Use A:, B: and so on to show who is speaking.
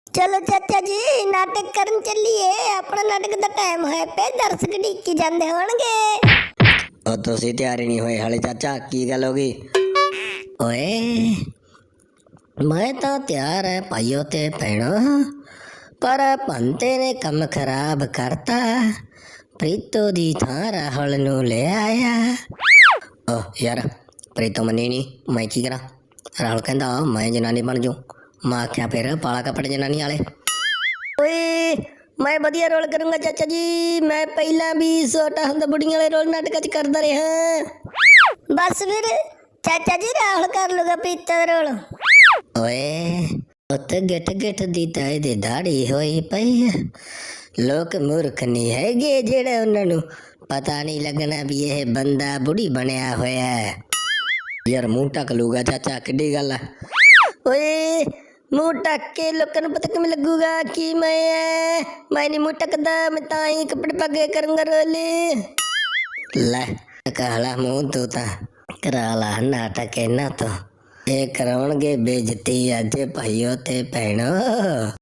A: चलो चाचा जी नाटक करन चलिए। अपना नाटक दा टाइम है पे दर्शक ढीकी जांदे होणगे।
B: ओ तुसी तैयार ही नहीं होए हाले चाचा, की गल हो गई? ओए मैं तो तैयार है भाइयों ते भैणों, पर भंते ने कम खराब करता। प्रीतो दी थां राहुल नू ले आया। ओ यार प्रीतो मनी नहीं, मैं की करा? राहुल कहंदा मैं जनानी बन जाऊं। मैं आख्या फिर पाला कपड़े जनानी वाले। ओए मैं बढ़िया रोल करूंगा चाचा जी। मैं पहला भी छोटा हुंदा बुढ़िया वाले रोल नाटक च करदा रहा।
A: बस फिर चाचा जी राहुल कर लूगा प्रीतो दा रोल।
B: ओए उत्त गिठ गिठ दी ताए दी दाढ़ी होई पई है। लोग मूर्ख नहीं हैगे जेड़े उन्हां नू पता नहीं लगना भी यह बंदा बुढ़ी बनया होया है। यार मुंह ढक लूगा चाचा, किड्डी गल है? ओए मुंह ढक के लोकां नू पता किवें लगूगा कि मैं नहीं मुंह ढकदा, मैं तां ही कपड़े पगे करूंगा रोले। ले काला मुंह तू तां करा ला नाटक इन्हां तो। ये कराउणगे बेइज्जती अज भाइयों ते भैणों।